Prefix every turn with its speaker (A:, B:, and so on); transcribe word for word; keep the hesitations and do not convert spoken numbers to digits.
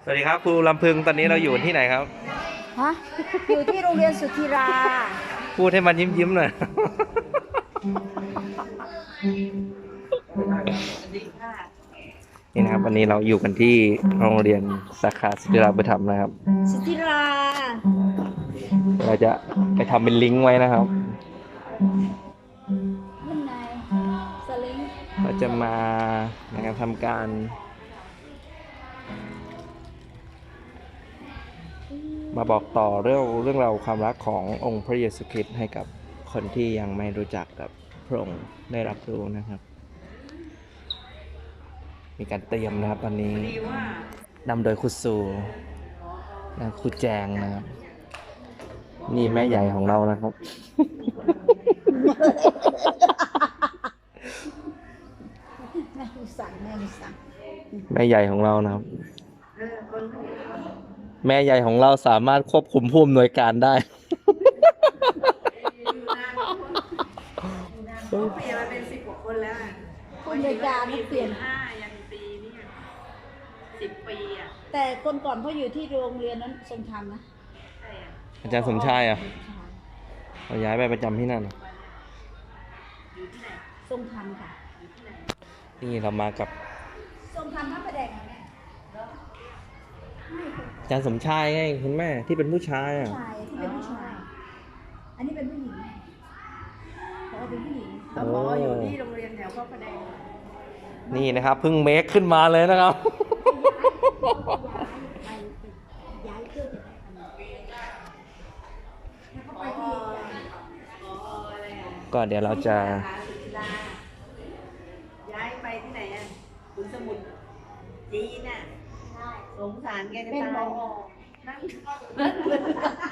A: สวัสดีครับครูลำพึงตอนนี้เราอยู่ที่ไหนครับ
B: ฮะอยู่ที่โรงเรียนสุธีรา
A: พูดให้มันยิ้มยิ้มหน่อยนี่นะครับวันนี้เราอยู่กันที่โรงเรียนสาขาสุธีราบุญธรรมนะครับ
B: สุธีรา
A: เราจะไปทำเป็นลิงก์ไว้นะครับ
B: ยังไงสลิง
A: เราจะมาในการทำการมาบอกต่อเรื่องเรื่องราวความรักขององค์พระเยซูคริสต์ให้กับคนที่ยังไม่รู้จักกับพระองค์ได้รับรู้นะครับมีการเตรียมนะครับตอนนี้นำโดยครูซูและครูแจงนะครับนี่แม่ใหญ่ของเรานะครับ
B: แม่ดูสั่งแม่ดูสั่ง
A: แม่ใหญ่ของเรานะครับแม่ใหญ่ของเราสามารถควบคุมผู้อำนวยการได้
C: เขาเปลี่ยนมาเป็นสิบกว่าคนแล้วอ่ะ
B: คนในการเปลี่ยน
C: ห้ายันปีนี่สิบปีอ่ะ
B: แต่คนก่อนเขาอยู่ที่โรงเรียนนั้นทรงธรรมนะ
C: ใช่อ่ะ
A: อาจารย์สมชายอ่ะเราย้ายไปประจำที่นั่น
C: อยู่ที่ไหน
B: ทรงธรรมค่ะ
A: นี่เรามากับ
B: ทรงธรรมพระประแดงแม่
A: อาจารย์สมชายไงคุณแม่ที่เป็นผู้ชายอ่ะ
B: ชายที่เป็นผู้ชายอันนี้เป็นผู้หญิงเขาเป็นผู้หญิง
C: แล้วพออยู่ที่โรงเรียนแถวพระประแดง
A: นี่นะครับเพิ่งเมคขึ้นมาเลยนะครับ
B: ย้ายเพื่อจะได้อันนั้นแล้วก็ไปที่
C: อ๋ออะไรอ่ะ
A: ก็เดี๋ยวเราจะ
C: มหาศิลาย้ายไปที่ไหนอ่ะขุนสมุทรจีนน่ะสงสารแกจะ
B: เป็น
C: ตา
B: หม
C: ย
B: อ
C: นั่ง